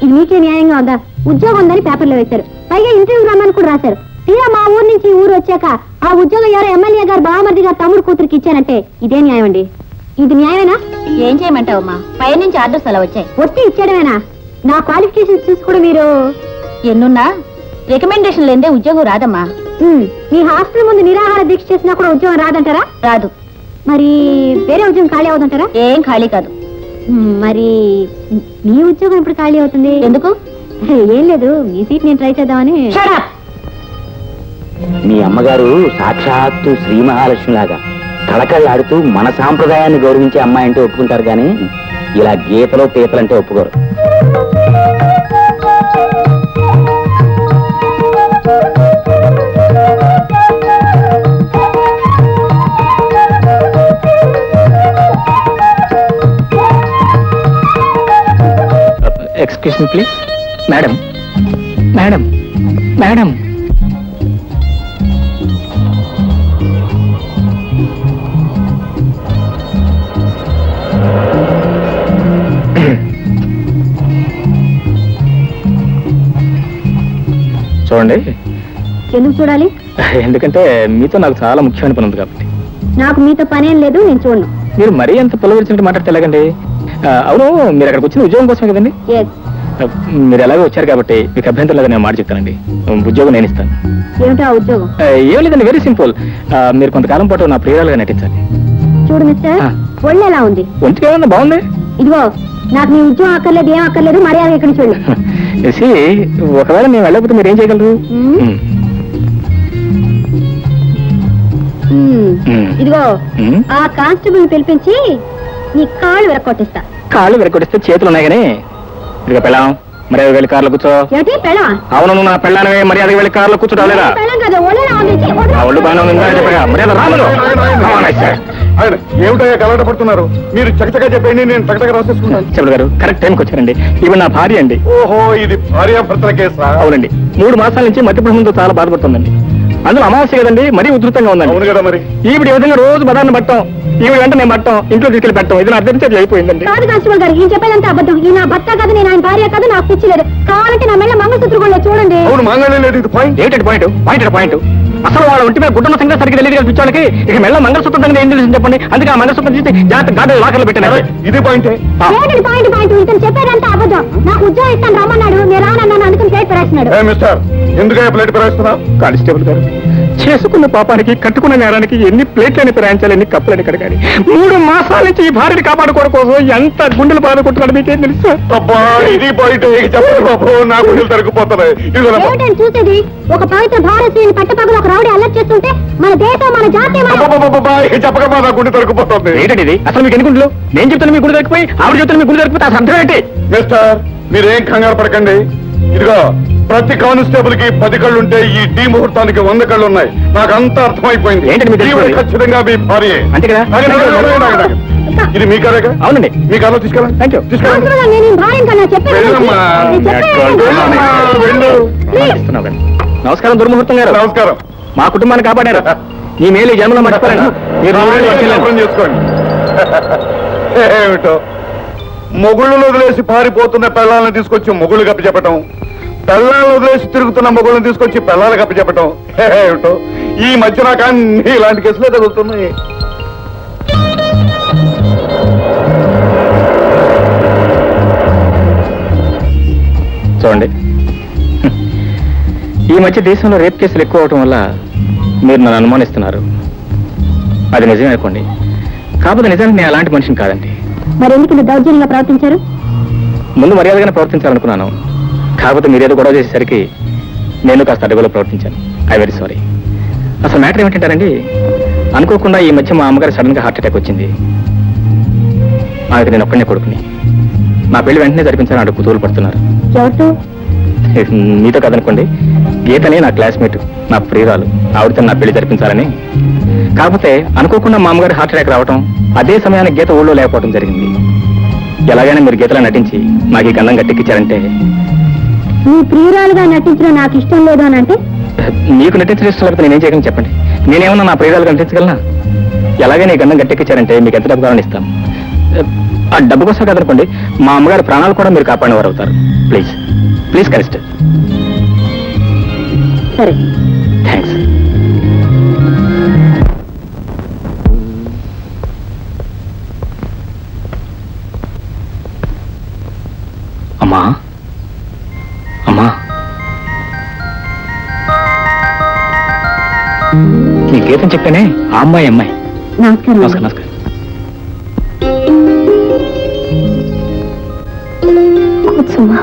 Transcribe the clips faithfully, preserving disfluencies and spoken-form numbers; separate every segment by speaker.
Speaker 1: ఇది మీకే న్యాయంగా ఉందా? ఉద్యోగం ఉందని పేపర్లో వేశారు, పైగా ఇంటర్వ్యూ రమ్మని కూడా రాశారు. తీరా మా ఊరు నుంచి ఊరు వచ్చాక ఆ ఉద్యోగం ఎవరో ఎమ్మెల్యే గారు బావమరిది గారు తమ్ముడు కూతురికి ఇచ్చానంటే ఇదే న్యాయం అండి? ఇది న్యాయమేనా?
Speaker 2: ఏం చేయమంటావమ్మా, పై నుంచి ఆర్డర్స్ అలా వచ్చాయి.
Speaker 1: ఒట్టి ఇచ్చాడమేనా? నా క్వాలిఫికేషన్ చూసి కూడా మీరు
Speaker 2: ఎన్నున్నా రికమెండేషన్ లేదే ఉద్యోగం రాదమ్మా.
Speaker 1: మీ హాస్టల్ ముందు నిరాహార దీక్ష చేసినా కూడా ఉద్యోగం రాదంటారా?
Speaker 2: రాదు.
Speaker 1: మరి వేరే ఉద్యోగం ఖాళీ అవుతుంటారా?
Speaker 2: ఏం ఖాళీ కాదు.
Speaker 1: మరి మీ ఉద్యోగం ఇప్పుడు ఖాళీ అవుతుంది
Speaker 2: ఎందుకు?
Speaker 1: ఏం లేదు, మీ సీట్ నేను ట్రై చేద్దామని.
Speaker 3: మీ అమ్మగారు సాక్షాత్తు శ్రీ మహాలక్ష్మి లాగా కళకళ్ళాడుతూ మన సాంప్రదాయాన్ని గౌరవించే అమ్మాయి అంటే ఒప్పుకుంటారు, కానీ ఇలా గీతలో పీతలంటే ఒప్పుకోరు.
Speaker 4: Excuse me please. Madam madam madam చూడండి.
Speaker 1: ఎందుకు చూడాలి?
Speaker 4: ఎందుకంటే మీతో నాకు చాలా ముఖ్యమైన పని ఉంది కాబట్టి.
Speaker 1: నాకు మీతో పనేం లేదు, నేను చూడను.
Speaker 4: మీరు మరీ అంత పొలవరిచినట్టు మాట్లాడితే ఎలాగండి? అవును, మీరు అక్కడికి వచ్చిన ఉద్యోగం కోసమే కదండి? మీరు ఎలాగో వచ్చారు కాబట్టి మీకు అభ్యంతరం లేదని నేను మాట చెప్తానండి. ఉద్యోగం నేను ఇస్తాను.
Speaker 1: ఏమిటా ఉద్యోగం?
Speaker 4: ఏం లేదండి, వెరీ సింపుల్. మీరు కొంతకాలం పాటు నా ప్రియురాలుగా నటించాలి.
Speaker 1: చూడు మిస్టర్, ఒళ్ళు ఎలా ఉంది?
Speaker 4: ఒంటికి ఏమన్నా బాగుంది.
Speaker 1: ఇదిగో, నాకు నీ ఉద్యోగం అక్కర్లేదు, ఏం అక్కర్లేదు, మర్యాద ఇక్కడి నుంచి వెళ్ళు.
Speaker 4: ఒకవేళ నేను వెళ్ళకపోతే మీరు ఏం చేయగలరు?
Speaker 1: ఇదిగో, ఆ కానిస్టేబుల్ పిలిపించి నీ కాళ్ళు విరక్కొట్టిస్తా.
Speaker 4: కాళ్ళు విరక్కొట్టిస్తే చేతులు ఉన్నాయి కానీ ఇదిగో పెళ్ళాం, మర్యాద వెళ్ళి కార్లో కూర్చో.
Speaker 1: ఏమిటి పెళ్ళం?
Speaker 4: అవును, నా పెళ్ళానమే, మర్యాద వెళ్ళి కార్లో కూర్చోలేదా? ఒళ్ళు బాగా చెప్పగా మర్యాద రాములు.
Speaker 5: ఏమిటయ్యా కలవట పడుతున్నారు? మీరు చకచగా చెప్పండి, నేను చకచగా రాసేసుకుంటాను.
Speaker 4: చెప్పడు గారు, కరెక్ట్ టైంకి వచ్చారండి. ఇవి నా భార్య అండి.
Speaker 5: ఓహో, ఇది భార్యాభర్తల కేసా?
Speaker 4: అవునండి, మూడు మాసాల నుంచి మధ్యప్రభుత్వంతో చాలా బాధపడుతుందండి. అందులో అమావాస్య కదండి, మరీ ఉధృతంగా ఉందండి.
Speaker 5: అవును కదా మరి.
Speaker 4: ఈవిడ ఈ విధంగా రోజు బదాన్ని పట్టం, ఈవిడ వెంట నేను పట్టం, ఇంట్లో తీసుకెళ్ళి పెట్టం, ఇది నా అర్థం చేతి అయిపోయిందండి.
Speaker 1: కాదు కానిస్టేబుల్ గారు, ఈయన చెప్పేదంతా అబద్ధం. ఈ నా భర్త కాదు, నేను ఆయన భార్య కాదు, నాకు పిచ్చి లేదు. కావాలంటే నా మెళ్ళ మంగళసూత్రం కూడా చూడండి.
Speaker 5: అవును, మంగళం లేదు. ఇది పాయింట్.
Speaker 4: ఏంటంటే పాయింట్? పాయింట్ పాయింట్ అసలు వాళ్ళ ఒంటి మీద గుడ్డల సంగతి సరిగ్గా తెలియదు కదా పిచ్చోళ్ళకి. ఇక మెల్ల మంగళసూత్రం దగ్గర ఏం తెలిసింది చెప్పండి. అందుకే ఆ మంగళసూత్రం తీసి జాగ్రత్త గాడి లాకర్లో పెట్టాను.
Speaker 5: ఇది పాయింటే.
Speaker 1: ఏంటండి పాయింట్? పాయింట్ ఇతను చెప్పేదంతా అబద్ధం. నాకు ఉద్యోగం ఇస్తాను రమ్మన్నాడు, నేను రానన్నాను, అందుకని ప్లేట్ పెరేస్తున్నాడు.
Speaker 5: మిస్టర్, ఎందుకయ్యా ప్లేట్ పెరేస్తున్నావు?
Speaker 4: కానిస్టేబుల్ గారు, చేసుకున్న పాపానికి కట్టుకున్న నేరానికి ఎన్ని ప్లేట్లని పెరాయించాలి, ఎన్ని కప్పులని కడగాలి. మూడు మాసాల నుంచి ఈ భార్యని కాపాడుకోవడం కోసం ఎంత గుండెలు బాధ కొట్టున్నాడు మీకేం తెలుసు?
Speaker 5: అబ్బా, ఇది పాయింట్. చెప్పండి బాబు, నా గుండెలు తరుక్కుపోతున్నాయి.
Speaker 1: చూసేది ఒక పవిత్ర భారతీయుని పట్టపగలు ఒక రౌడీ అల్లరి చేస్తుంటే మన దేశం, మన జాతి
Speaker 5: చెప్పకమ్మా, నా గుండె తరుక్కుపోతుంది.
Speaker 4: ఏంటండి ఇది? అసలు మీకు ఎన్ని గుండెలు? నేను చెప్తాను మీ గుండె తగ్గిపోయి, ఆవిడ చెప్తాను మీ గుండె తగ్గిపోతే అసలు అర్థం ఏంటి?
Speaker 5: మిస్టర్, మీరేం కంగారు పడకండి. ఇదిగో, ప్రతి కానిస్టేబుల్ కి పది కళ్ళు ఉంటే ఈ డి ముహూర్తానికి వంద కళ్ళు ఉన్నాయి. నాకు అంతా అర్థమైపోయింది. ఖచ్చితంగా మీ భార్య.
Speaker 4: అంతే కదా?
Speaker 5: ఇది మీ కారేగా?
Speaker 4: అవునండి,
Speaker 5: మీ కారులో తీసుకెళ్ళండి.
Speaker 4: Thank you. నమస్కారం దుర్ముహూర్తం గారు.
Speaker 5: నమస్కారం.
Speaker 4: మా కుటుంబాన్ని కాపాడారు. ఈ మేలు జన్మలో మర్చిపోయాను. మీరు
Speaker 5: చేసుకోండి. ఏమిటో మొగుళ్ళను వదిలేసి పారిపోతున్న పిల్లల్ని తీసుకొచ్చి మొగుళ్ళు కప్పి చెప్పటం, పిల్లల్ని వదిలేసి తిరుగుతున్న మొగుళ్ళని తీసుకొచ్చి పిల్లలు కప్పి చెప్పటం. ఏమిటో ఈ మధ్య నాకు అన్ని ఇలాంటి కేసులే తగులుతున్నాయి.
Speaker 4: చూడండి, ఈ మధ్య దేశంలో రేప్ కేసులు ఎక్కువ అవటం వల్ల మీరు నన్ను అనుమానిస్తున్నారు. అది నిజమే అనుకోండి, కాకపోతే నిజానికి నేను అలాంటి మనిషిని కాదండి.
Speaker 1: మరి ఎందుకు దౌర్జన్యంగా ప్రవర్తించారు?
Speaker 4: ముందు మర్యాదగానే ప్రవర్తించాలనుకున్నాను, కాకపోతే మీరేదో గొడవ చేసేసరికి నేను కాస్త అడ్డగోలు ప్రవర్తించాను. I very sorry. అసలు మ్యాటర్ ఏమిటంటారండి, అనుకోకుండా ఈ మధ్య మా అమ్మగారు సడన్ గా హార్ట్ అటాక్ వచ్చింది. ఆమెకు నేను ఒక్కనే కొడుకుని. నా పెళ్లి వెంటనే జరిపించాలని అడుగు కుతూలు పడుతున్నారు. మీతో కదనుకోండి, గీతనే నా క్లాస్మేట్, నా ప్రియురాలు, ఆవిడతో నా పెళ్లి జరిపించాలని. కాకపోతే అనుకోకుండా మా అమ్మగారు హార్ట్ అటాక్ రావటం, అదే సమయానికి గీత ఊళ్ళో లేకపోవడం జరిగింది. ఎలాగైనా మీరు గీతలా నటించి నాకు ఈ గంధం గట్టెక్కించారంటే.
Speaker 1: నీ ప్రియురాలుగా నటించడం నాకు ఇష్టం లేదు అని అంటే?
Speaker 4: మీకు నటించడం ఇష్టం లేకపోతే నేనేం చేయగలను చెప్పండి? నేనేమన్నా నా ప్రియురాలుగా నటించగలనా? ఎలాగైనా ఈ గంధం గట్టెక్కించారంటే మీకు ఎంత డబ్బు కావాలని ఇస్తాను. ఆ డబ్బు కోసం కదనుకోండి, మా అమ్మగారి ప్రాణాలు కూడా మీరు కాపాడేవారు అవుతారు. ప్లీజ్ ప్లీజ్ కనిస్టర్.
Speaker 1: సరే.
Speaker 4: థ్యాంక్స్. అమ్మా అమ్మా, నీ గీతం చెప్పానే, ఆ అమ్మాయి అమ్మాయి.
Speaker 1: నమస్కారం.
Speaker 4: నమస్కారం నమస్కారం.
Speaker 1: కూర్చోమ్మా.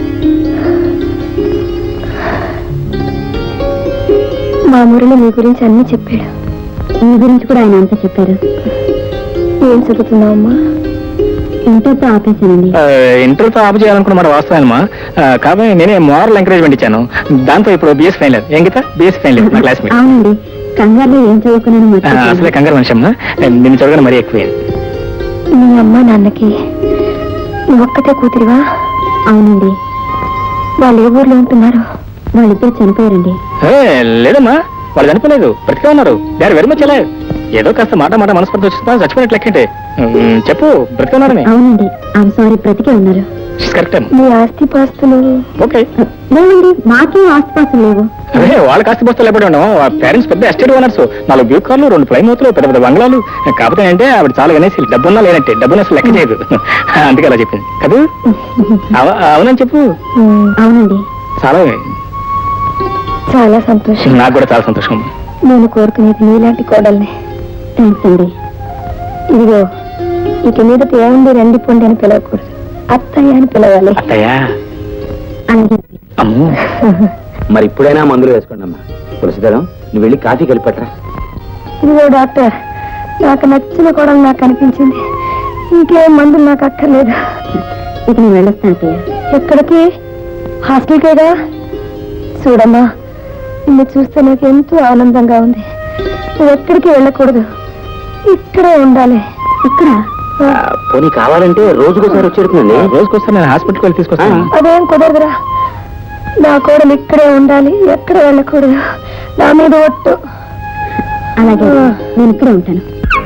Speaker 1: మా మురళి మీ గురించి అన్ని చెప్పాడు. మీ గురించి కూడా ఆయన అంతా చెప్పారు. ఏం చదువుతున్నావమ్మా? ఇంటర్తో ఆపేశానండి.
Speaker 4: ఇంటర్తో ఆపు చేయాలనుకున్న మాట వాస్తవమా? కాబట్టి నేనే మోరల్ ఎంకరేజ్మెంట్ ఇచ్చాను. దాంతో ఇప్పుడు బిఎస్ ఫైనల్. ఏం గీత? బిఎస్ ఫైనల్ నా క్లాస్మేట్.
Speaker 1: అవునండి, కంగారులో ఏం చదువుకున్నాను.
Speaker 4: అసలే కంగారు మనిషి అమ్మా, నిన్ను చదవగానే మరీ ఎక్కువ.
Speaker 1: మీ అమ్మ నాన్నకి నువ్వు ఒక్కతే కూతురివా? అవునండి. వాళ్ళు ఏ ఊర్లో ఉంటున్నారు? వాళ్ళిద్దరు చనిపోయారండి.
Speaker 4: లేదమ్మా, వాళ్ళు చనిపోలేదు, బ్రతికే ఉన్నారు. They are very much alive. ఏదో కాస్త మాట మాట మనస్పర్ధ వచ్చిందా, చచ్చిపోయినట్లు లెక్కంటే. చెప్పు, బ్రతికే ఉన్నారని.
Speaker 1: అవునండి, ఐఎమ్ సారీ, బ్రతికే ఉన్నారు.
Speaker 4: కరెక్ట్.
Speaker 1: మీ ఆస్తి పాస్తులు?
Speaker 4: ఓకే.
Speaker 1: లేవండి, మాకేం ఆస్తి పాస్తులు లేవు.
Speaker 4: అదే వాళ్ళకి ఆస్తి పాస్తులు ఎప్పుడు ఉన్నాం. పేరెంట్స్ పెద్ద ఎస్టేట్ ఓనర్స్, నాలుగు బ్యూ కార్లు, రెండు ఫ్లైమూతులు, పెద్ద పెద్ద బంగ్లాలు. కాకపోతే అంటే ఆవిడ చాలా అనేసి డబ్బున్నా లేనంటే, డబ్బున అసలు లెక్క చేయదు. అందుకే అలా చెప్పింది కదా. అవునని చెప్పు.
Speaker 1: అవునండి.
Speaker 4: చాలా
Speaker 1: చాలా సంతోషం.
Speaker 4: నాకు కూడా చాలా సంతోషం.
Speaker 1: నేను కోరుకునేది నీలాంటి కోడల్ని. థ్యాంక్స్ అండి. ఇదిగో, ఇక మీద ఏముంది రండి పొండి అని పిలవకూడదు, అత్తయ్య అని పిలవాలి.
Speaker 4: అత్తయ్య?
Speaker 1: అలాగే.
Speaker 4: అమ్మో.
Speaker 3: మరి ఇప్పుడైనా మందులు వేసుకోండి అమ్మా. తులసిదళం, నువ్వు వెళ్ళి కాఫీ కలిపట్రా.
Speaker 1: ఇదిగో డాక్టర్, నాకు నచ్చిన కోడలు నాకు అనిపించింది. ఇంకేం మందులు నాకు అక్కర్లేదు. ఇక నేను వెళ్ళొస్తాను అత్తయ్య. ఎక్కడికి? హాస్టల్కేగా. చూడమ్మా, నిన్ను చూస్తే నాకు ఎంతో ఆనందంగా ఉంది. నువ్వు ఎక్కడికి వెళ్ళకూడదు, ఇక్కడే ఉండాలి. ఇక్కడ?
Speaker 3: పోనీ కావాలంటే రోజుకోసారి వచ్చేడుతుందండి.
Speaker 4: రోజుకోసారి నేను హాస్పిటల్కి వెళ్ళి తీసుకొస్తాను.
Speaker 1: అదేం కుదరదురా, నా కోడలు ఇక్కడే ఉండాలి, ఎక్కడ వెళ్ళకూడదు. నా మీద ఒట్టు. అలాగే, నేను ఇక్కడే ఉంటాను.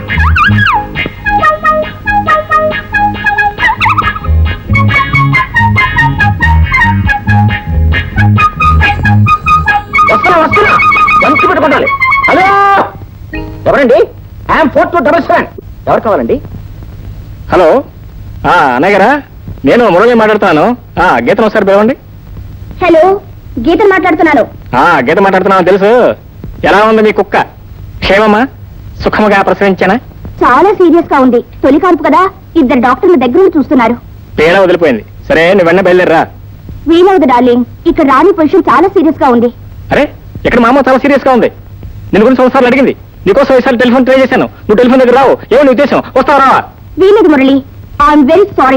Speaker 3: వస్తున్నా వస్తున్నా, మంచి పెట్టుకోండి. హలో, ఎవరండి? I'm four two double seven. ఎవరు కావాలండి?
Speaker 4: హలో, అన్నయ్య గారా, నేను మురళి మాట్లాడుతున్నాను. గీతను ఒకసారి పిలవండి.
Speaker 1: హలో, గీత మాట్లాడుతున్నాను.
Speaker 4: గీత మాట్లాడుతున్నాను తెలుసు. ఎలా ఉంది మీ కుక్క? క్షేమమా? సుఖముగా ప్రసవించానా?
Speaker 1: చాలా సీరియస్ గా ఉంది. తొలి కాన్పు కదా, ఇద్దరు డాక్టర్ల దగ్గర చూస్తున్నారు.
Speaker 4: పీడ వదిలిపోయింది. సరే, నువ్వు వెన్న బయలుదేరరా.
Speaker 1: వీలవదు డార్లింగ్, ఇక్కడ రాణి పొజిషన్ చాలా సీరియస్ గా ఉంది.
Speaker 4: అరే, ఇక్కడ మా అమ్మ చాలా సీరియస్ గా ఉంది. నేను గురించి ఒకసారి అడిగింది. నీకోసం ఈసారి టెలిఫోన్ ట్రై చేశాను. నువ్వు టెలిఫోన్ దగ్గర రావు. ఏమో నీ ఉద్దేశం? వస్తావా రావా?
Speaker 1: వీలేదు మురళి, ఐఎమ్ వెరీ సారీ.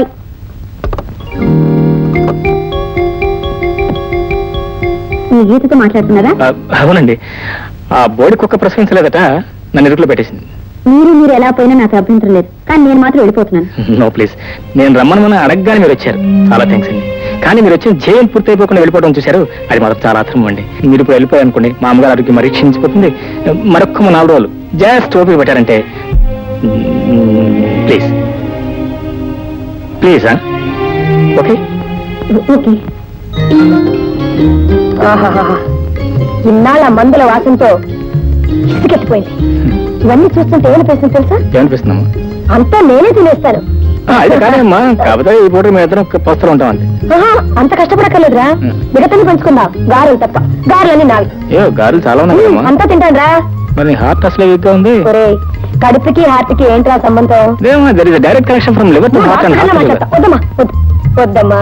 Speaker 1: మీ గీతతో మాట్లాడుతున్నారా?
Speaker 4: అవునండి. ఆ బోడి కుక్క ప్రసవించలేదట, నన్ను ఇరుకులో పెట్టేసింది.
Speaker 1: మీరు మీరు ఎలా పోయినా నాకు అభ్యంతరం లేదు, కానీ నేను మాత్రం వెళ్ళిపోతున్నాను.
Speaker 4: నో ప్లీజ్, నేను రమ్మని అడగగానే మీరు వచ్చారు. చాలా థ్యాంక్స్ అండి. కానీ మీరు వచ్చిన జైలు పూర్తి అయిపోకుండా వెళ్ళిపోవడం చూశారు, అది మాత్రం చాలా అర్థం అండి. మీరు ఇప్పుడు వెళ్ళిపోయారు అనుకోండి, మా అమ్మగారు ఆరోగ్యం మరీ క్షీణించిపోతుంది. మరొక్క నాలుగు రోజులు జస్ట్ ఓపిక పెట్టారంటే ప్లీజ్ ప్లీజ్. Okay
Speaker 1: okay. ఇన్నాళ్ళ మందుల వాసనతో ఇసుకెత్తిపోయింది. ఇవన్నీ చూస్తుంటే ఏమనిపిస్తుంది తెలుసా?
Speaker 4: ఏమనిపిస్తుందమ్మా?
Speaker 1: అంతా నేనే తినేస్తాను.
Speaker 4: అయితే కానీ అమ్మా, కాకపోతే ఈ పూట మీ ఇద్దరం పస్తులు ఉంటాం అంతే.
Speaker 1: అంత కష్టపడక్కర్లేదురా, మిగతాన్ని పంచుకుందాం. గారెలు తప్ప, గారెలన్నీ నావి.
Speaker 4: ఏ గారెలు చాలా ఉన్నాయి.
Speaker 1: అంతా తింటాను రా.
Speaker 4: మరి హార్ట్ అసలు వీక్ గా ఉంది.
Speaker 1: కడుపుకి హార్ట్ కి ఏంట్రా సంబంధం?
Speaker 4: Direct connection from liver to heart and heart.
Speaker 1: వద్దమ్మా, వద్దమ్మా.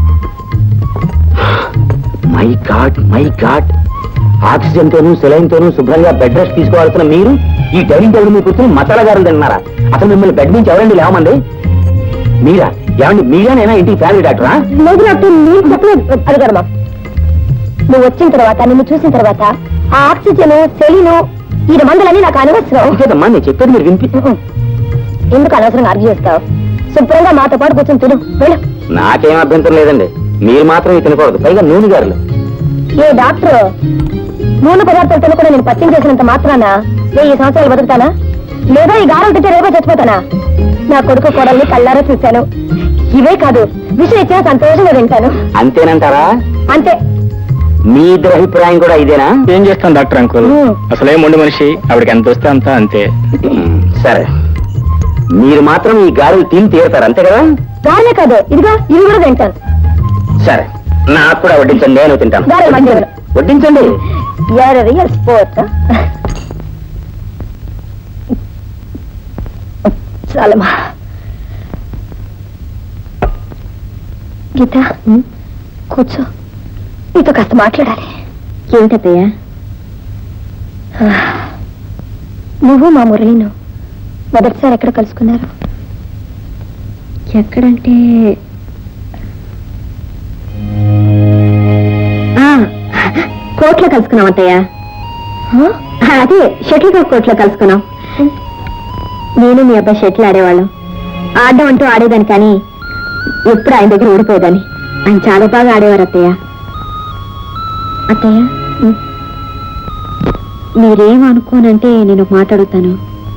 Speaker 3: My God my God, oxygen తోనూ సెలైన్ తోనూ శుభ్రంగా బెడ్ రెస్ట్ తీసుకోవాల్సిన మీరు ఈ డైనింగ్ టేబుల్ మీద కూర్చొని మసాలా గారులు తిన్నారా? అసలు మిమ్మల్ని బెడ్ నుంచి ఎవరండి లేవమంది? మీరా? ఏమండి మీరేనైనా ఇంటికి ఫ్యామిలీ డాక్టరా?
Speaker 1: లేదు డాక్టర్, మీరు చెప్పలేదు. అడగడమా, నువ్వు వచ్చిన తర్వాత, నిన్ను చూసిన తర్వాత ఆ ఆక్సిజన్ సెలీను ఈ మందులన్నీ నాకు అనవసరం.
Speaker 3: ఇంకేదమ్మా నేను చెప్పేది మీరు వినిపి.
Speaker 1: ఎందుకు అనవసరంగా ఆర్గ్యూ చేస్తావు? శుభ్రంగా మాతో పాటు కూర్చొని తిను, వెళ్ళు.
Speaker 3: నాకేం అభ్యంతరం లేదండి, మీరు మాత్రం ఇది తినకూడదు, పైగా నూనె గారులు.
Speaker 1: ఏ డాక్టర్, నూనె పదార్థాలు తినకుండా నేను పచ్చం చేసినంత మాత్రాన వెయ్యి సంవత్సరాలు బతుకుతానా? లేదా ఈ గారం తింటే రేపో చచ్చిపోతానా? నా కొడుకు కోడల్ని కళ్ళారా చూశాను. ఇవే కాదు, విషయం ఇచ్చినా సంతోషంగా వింటాను.
Speaker 3: అంతేనంటారా?
Speaker 1: అంతే.
Speaker 3: మీ ఇద్దరు అభిప్రాయం కూడా ఇదేనా?
Speaker 4: ఏం చేస్తాం డాక్టర్ అంకుల్,
Speaker 1: మ్మ్.
Speaker 4: అసలే మొండి మనిషి, ఆవిడకి ఎంత వస్తే అంత అంతే.
Speaker 3: సరే, మీరు మాత్రం ఈ గారెలు తిని తీరుతారు అంతే కదా?
Speaker 1: గారెలే కాదు, ఇదిగో ఇవి కూడా తింటాను.
Speaker 3: సరే, నాకు కూడా వడ్డించండి, నేను తింటాను.
Speaker 1: గారెలు మంచిగా
Speaker 3: వడ్డించండి.
Speaker 1: Real sport. చాలమ్మా. గీత, కూర్చో, నీతో కాస్త మాట్లాడాలి. ఏమిటయ్యా? నువ్వు మా మురళిను మొదటిసారి ఎక్కడ కలుసుకున్నారు? ఎక్కడంటే కోర్టులో కలుసుకున్నాం అత్తయ్య. అదే షటిల్ కాక్ కోర్టులో కలుసుకున్నాం. నేను మీ అబ్బాయి షటిల్ ఆడేవాళ్ళం. ఆడడం అంటూ ఆడేదాన్ని, కానీ ఎప్పుడు ఆయన దగ్గర ఓడిపోయేదాన్ని. ఆయన చాలా బాగా ఆడేవారు అత్తయ్య. అత్తయ్య, మీరేం అనుకోనంటే నేను మాట్లాడుతాను.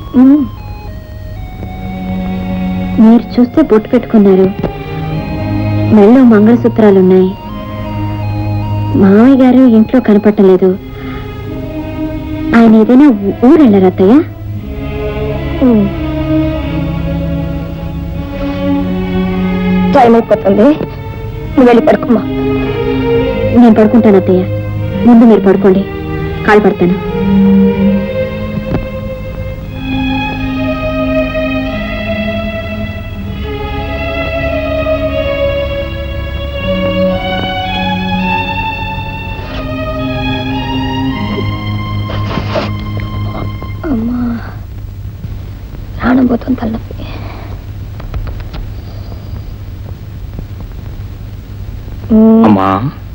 Speaker 1: మీరు చూస్తే బొట్టు పెట్టుకున్నారు, మెళ్ళో మంగళసూత్రాలున్నాయి. మామయ్య గారు ఇంట్లో కనపట్టలేదు. ఆయన ఏదైనా ఊరు వెళ్ళారు అత్తయ్య? టైం అయిపోతుంది, నువ్వు వెళ్ళి పడుకోమ్మా. నేను పడుకుంటాను అత్తయ్య, ముందు మీరు పడుకోండి, కాలు పడతాను. అమ్మా, ప్రాణం పోతుంది, తలనొప్పి.
Speaker 4: అమ్మా,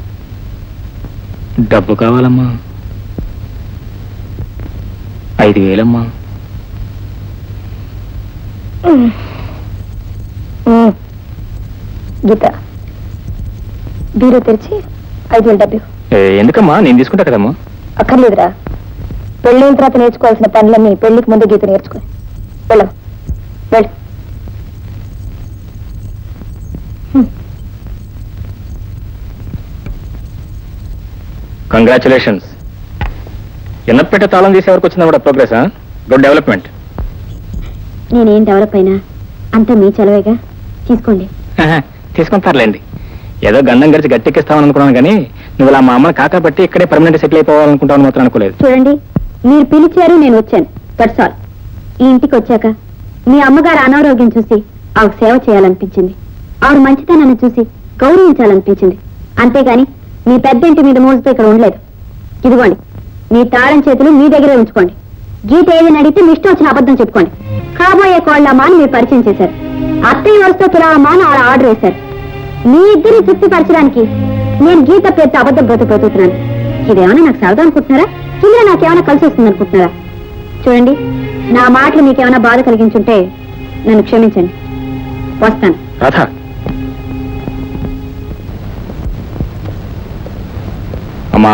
Speaker 4: డబ్బు కావాలమ్మా. ఐదు వేలమ్మా.
Speaker 1: గీత, బీరో తెరిచి ఐదు వేలు డబ్బు.
Speaker 4: ఏ, ఎందుకమ్మా, నేను తీసుకుంటా కదమ్మా.
Speaker 1: అక్కర్లేదురా, పెళ్ళైన తర్వాత నేర్చుకోవాల్సిన పనులన్నీ పెళ్లికి ముందు గీత నేర్చుకో. వెళ్ళం, వెళ్ళు.
Speaker 4: కంగ్రాచులేషన్స్. ఎన్నపెట్ట తాళం తీసే వరకు వచ్చిందా కూడా ప్రోగ్రెస్. Good development.
Speaker 1: నేనేం డెవలప్ అయినా అంతా మీ చలవేగా, తీసుకోండి.
Speaker 4: తీసుకుంటారులేండి. ఏదో గండం గడిచి గట్టెక్కిస్తామని అనుకున్నాను, కానీ నువ్వు ఇలా మా అమ్మని కాకా బట్టి ఇక్కడే పర్మనెంట్ సెటిల్ అయిపోవాలనుకుంటావు మాత్రం అనుకోలేదు.
Speaker 1: చూడండి, మీరు పిలిచారు, నేను వచ్చాను, దట్స్ ఆల్. ఈ ఇంటికి వచ్చాక మీ అమ్మగారు అనారోగ్యం చూసి ఆవిడ సేవ చేయాలనిపించింది. ఆవిడ మంచితనాన్ని చూసి గౌరవించాలనిపించింది. అంతేగాని మీ పెద్ద ఇంటి మీద మోజుతో ఇక్కడ ఉండలేదు. ఇదిగోండి, మీ తాళం చేతులు మీ దగ్గరే ఉంచుకోండి. గీత ఏదైనా అడిగితే మీ ఇష్టం వచ్చిన అబద్ధం చెప్పుకోండి. కాబోయే కోళ్ళమ్మా అని మీరు పరిచయం చేశారు. అత్తయ్య వరుసతో తులామా అని ఆడ ఆర్డర్ వేశారు. మీ ఇద్దరిని తృప్తిపరచడానికి నేను గీత పేరుతో అబద్ధం బ్రతుకుతున్నాను. ఇదేమన్నా నాకు సరదా అనుకుంటున్నారా? ఇందులో నాకేమైనా కలిసి వస్తుంది అనుకుంటున్నారా? చూడండి, నా మాటలు మీకేమైనా బాధ కలిగించుంటే నన్ను క్షమించండి. వస్తాను.
Speaker 4: రాధా, అమ్మా.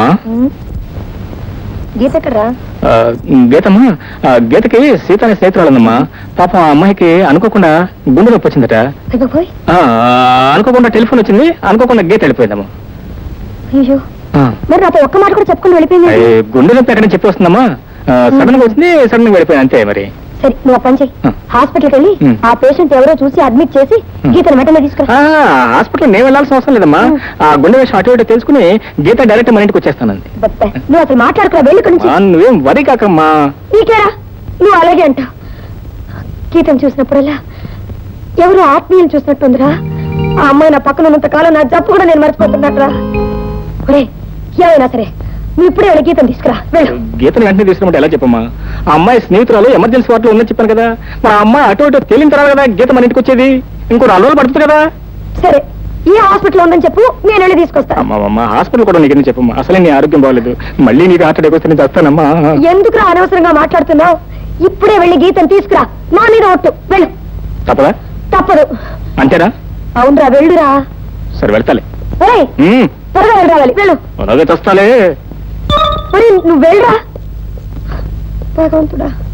Speaker 1: గీత ఎక్కడరా?
Speaker 4: ఆ, గీతమ్మా, ఆ, గీతకి సీత అనే స్నేహితురాలమ్మా. పాపం ఆ అమ్మాయికి అనుకోకుండా గుండె నొప్పి వచ్చిందట.
Speaker 1: అయిపోయి
Speaker 4: ఆ, అనుకోకుండా టెలిఫోన్ వచ్చింది, అనుకోకుండా గీత వెళ్ళిపోయిందమ్మా.
Speaker 1: అయ్యో,
Speaker 4: ఆ,
Speaker 1: మరి నాతో ఒక్క మాట కూడా చెప్పుకుని వెళ్ళిపోయింది.
Speaker 4: ఏ, గుండె నొప్పి ఎక్కడ చెప్పి వస్తుందమ్మా. సడన్ గా వచ్చింది, సడన్ గా వెళ్ళిపోయింది అంతే. మరి
Speaker 1: సరే, నువ్వు ఒక పని చెయ్యి.
Speaker 4: ఆ.
Speaker 1: హాస్పిటల్కి వెళ్ళి
Speaker 4: ఉమ్.
Speaker 1: ఆ పేషెంట్ ఎవరో చూసి అడ్మిట్ చేసి
Speaker 4: ఉమ్.
Speaker 1: గీతను వెంటనే తీసుకురా.
Speaker 4: ఆ, హాస్పిటల్ నేను వెళ్ళాల్సిన అవసరం లేదమ్మా. ఆ గుండె విషయం అటు ఇటు తెలుసుకుని గీత డైరెక్ట్ మన ఇంటికి వచ్చేస్తానండి.
Speaker 1: బబ్బే, నువ్వు అసలు మాట్లాడుకురా, వెళ్ళి ఇక్కడి నుంచి.
Speaker 4: ఆ, నువ్వేం వరి కాకమ్మా.
Speaker 1: నీకేరా, నువ్వు అలాగే అంటావు. గీతను చూసినప్పుడల్లా ఎవరు ఆత్మీయులు చూసినట్టుందిరా. ఆ అమ్మాయి నా పక్కన ఉన్నంత కాలం నా జబ్బు కూడా నేను మర్చిపోతున్నట్రా. ఒరే, ఏమైనా సరే నువ్వు ఇప్పుడే వెళ్ళి గీతను తీసుకురా, వెళ్ళు.
Speaker 4: గీతను వెంటనే తీసుకున్నట్టు ఎలా చెప్పమ్మా? ఆ అమ్మాయి స్నేహితురాలు ఎమర్జెన్సీ వార్డులో ఉందని చెప్పాను కదా. మరి ఆ అమ్మాయి అటు ఇటు తేలిన తర్వాత కదా గీత మన ఇంటికి వచ్చేది. ఇంకో నాలుగు రోజులు పడుతుంది కదా.
Speaker 1: సరే, ఈ హాస్పిటల్ ఉందని చెప్పు, నేను వెళ్ళి తీసుకొస్తాను.
Speaker 4: అమ్మా అమ్మ, హాస్పిటల్ కూడా నీకు చెప్పమ్మా. అసలే నీ ఆరోగ్యం బాగలేదు, మళ్ళీ నీకు హార్ట్ అటాక్ వస్తే నేను చేస్తానమ్మా.
Speaker 1: ఎందుకురా అనవసరంగా మాట్లాడుతున్నావు? ఇప్పుడే వెళ్ళి గీతను తీసుకురా, నా మీద ఒట్టు, వెళ్ళు.
Speaker 4: తప్పదా?
Speaker 1: తప్పదు.
Speaker 4: అంతేనా?
Speaker 1: అవునరా, వెళ్ళురా.
Speaker 4: సరే, వెళ్తాలే.
Speaker 1: ఒరేయ్,
Speaker 4: ఉమ్,
Speaker 1: త్వరగా వెళ్ళి రావాలి, వెళ్ళు.
Speaker 4: అలాగే చేస్తాలే.
Speaker 1: మరి నువ్వు వెళ్ళరా. భగవంతుడా.